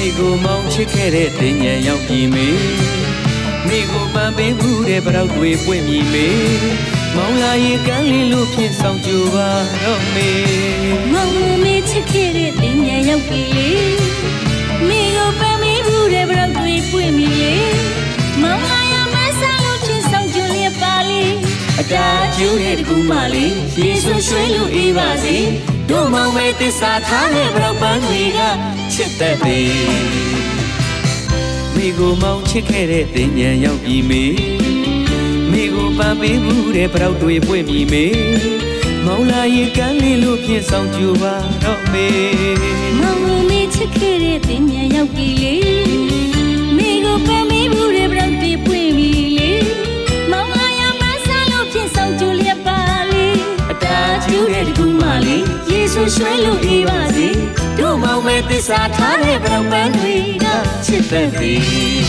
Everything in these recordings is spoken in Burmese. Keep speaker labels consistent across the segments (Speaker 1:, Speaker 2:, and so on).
Speaker 1: ကိုမောင်းချစ်ခဲ့တဲ့တင်ញံရောက်ပြီမေမိကိုပန်းပေးမှုတဲ့ပရောက်တွေပွင့်ပြီမေမောင်းလာရင်ကန်းလေးလို့ဖြင့်ဆောင်ကြပါတော့မေ
Speaker 2: မောင်မေချစ်ခဲ့တဲ့တင်ញံရောက်ပြီလေမိကိုပန်းပေးမှုတဲ့ပရောက်တွေပွင့်ပြီလေမောင်းလာရင်မဆန်းလို့ဖြင့်ဆောင်ကြလျက်ပါလေ
Speaker 1: အတားကျိုးတဲ့တကူမလေးရေဆွရွှဲလို့အေးပါစေတို့မောင်မဲသစ္စာထားတဲ့ပရောက်ပန်းတွေကချစ်တတ်သည်မိကိုမောင်းချစ်ခဲ့တဲ့တင်ញံရောက်ပြီမေမိကိုပန်းပေးမှုတဲ့ပရောက်တွေပွင့်ပြီမေမောင်းလာရင်ကန်းလေးလို့ဖြင့်ဆောင်ကြပါတော့မေ
Speaker 2: မောင်မေချစ်ခဲ့တဲ့တင်ញံရောက်ပြီလေမိကိုပန်းပေးမှုတဲ့ပရောက်တွေပွင့်ပြီလေမောင်းလာရင်မဆန်းလို့ဖြင့်ဆောင်ကြလျက်ပါလေ
Speaker 1: အတားကျိုးတဲ့တကူမလေးရေဆွရွှဲလို့အေးပါစေတို့မောင်မဲသစ္စာထားတဲ့ပရောက်ပန်းတွေကချစ်တတ်သည်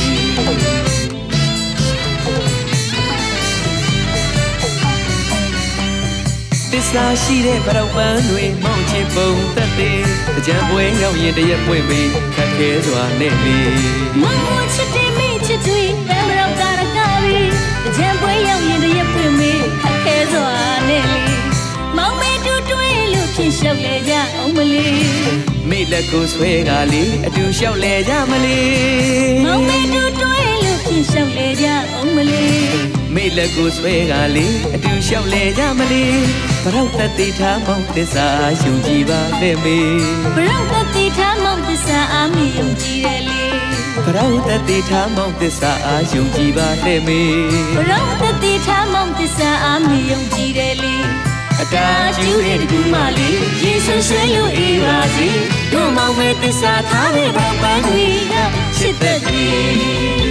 Speaker 1: သစ္စာရှိတဲ့ပရောက်ပန်းတွေမောင်းချင်ပုံတတ်သည်ကြံပွဲရောက်ရင်တရက်ပွင့်ပြီးခက်ခဲစွာနဲ့လေ
Speaker 2: မောင်ချစ်တဲ့မိချစ်တွေပန်းပရောက်တာရကားပြီးကြံပွဲရောက်ရင်တရက်ပွင့်ပြီးခက်ခဲစွာနဲ့လေမောင်မဲတူတွဲလို့ဖြင့်ရှောက်လေကြအောင်မလေး
Speaker 1: မိလက်ကိုဆွဲကလေးအတူလျှောက်လဲကြမလေး
Speaker 2: မောင်မဲတူတွဲလို့ဖြင့်ရှောက်လေကြအောင်မလေး
Speaker 1: မိလက်ကိုဆွဲကလေးအတူလျှောက်လဲကြမလေးပရောက်တတိထားမောင်သစ္စာယုံကြည်ပါနဲ့မေ
Speaker 2: ပရောက်တတိထားမောင်သစ္စာအာမီယုံကြည်တယ်လေ
Speaker 1: ပရောက်တတိထားမောင်သစ္စာအာယုံကြည်ပါနဲ့မေ
Speaker 2: ပရောက်တတိထားမောင်သစ္စာအာမီယုံကြည်တယ်လေ
Speaker 1: အတားကျူးတဲ့တကူမလေးရေဆွရွှဲလို့အေးပါစေတို့မောင်မဲသစ္စာထားတဲ့ပန်းပန်းတွေကချစ်တတ်သည်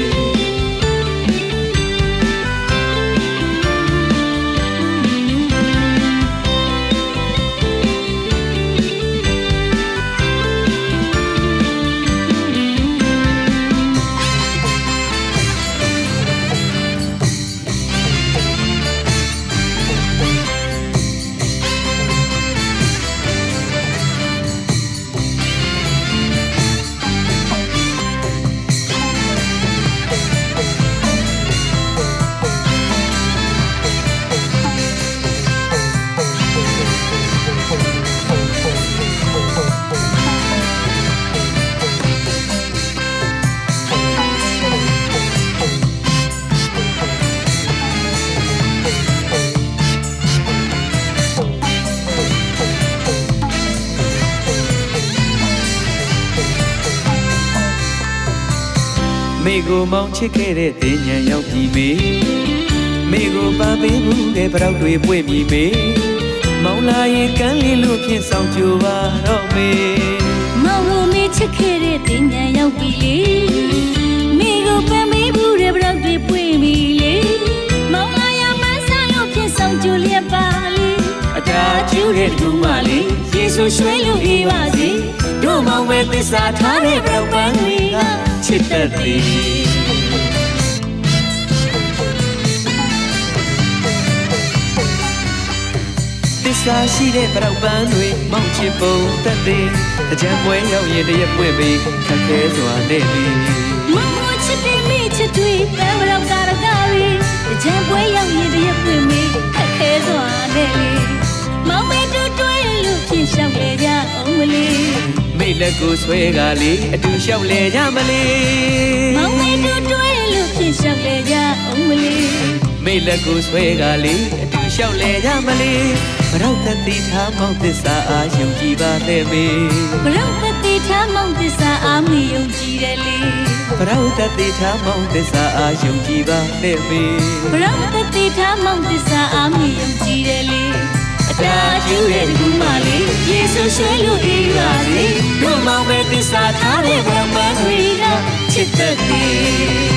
Speaker 1: မိကိုမောင်းချစ်ခဲ့တဲ့တင်ញံရောက်ပြီမေမိကိုပန်းပေးမှုတဲ့ပရောက်တွေပွင့်ပြီမေမောင်းလာရင်ကန်းလေးလို့ဖြင့်ဆောင်ကြပါတော့မေ
Speaker 2: မောင်မေချစ်ခဲ့တဲ့တင်ញံရောက်ပြီလေမိကိုပန်းပေးမှုတဲ့ပရောက်တွေပွင့်ပြီလေမောင်းလာရင်မဆန်းလို့ဖြင့်ဆောင်ကြလျက်ပါလေ
Speaker 1: အတားကျူးတဲ့တကူမလေးရေဆွရွှဲလို့အေးပါစေတို့မောင်မဲသစ္စာထားတဲ့ပရောက်ပန်းတွေကချစ်တတ်သည်သစ္စာရှိတဲ့ပရောက်ပန်းတွေမောင်းချစ်ပုံတတ်သည်ကြံပွဲရောက်ရင်တရက်ပွင့်ပြီးခက်ခဲစွာနဲ့လေ
Speaker 2: မောင်ချစ်တဲ့မိချစ်တွေပန်းပရောက်တာရကားပြီးကြံပွဲရောက်ရင်တရက်ပွင့်ပြီးခက်ခဲစွာနဲ့လေမောင်မဲတူတွဲလို့ဖြင့်ရှောက်လေကြအောင်မလေး
Speaker 1: မိလက်ကိုဆွဲကလေးအတူလျှောက်လဲကြမလေး
Speaker 2: မောင်မဲတူတွဲလို့ဖြင့်ရှောက်လေကြအောင်မလေး
Speaker 1: မိလက်ကိုဆွဲကလေးအတူလျှောက်လဲကြမလေးပရောက်တတိထားမောင်သစ္စာအာယုံကြည်ပါနဲ့မေ
Speaker 2: ပရောက်တတိထားမောင်သစ္စာအာမီယုံကြည်တယ်လေ
Speaker 1: ပရောက်တတိထားမောင်သစ္စာအာယုံကြည်ပါနဲ့မေ
Speaker 2: ပရောက်တတိထားမောင်သစ္စာအာမီယုံကြည်တယ်လေ
Speaker 1: အတားကျူးတဲ့တကူမလေးရေဆွရွှဲလို့အေးပါစေတို့မောင်မဲသစ္စာထားတဲ့ပန်းပန်းတွေကချစ်တတ်သည်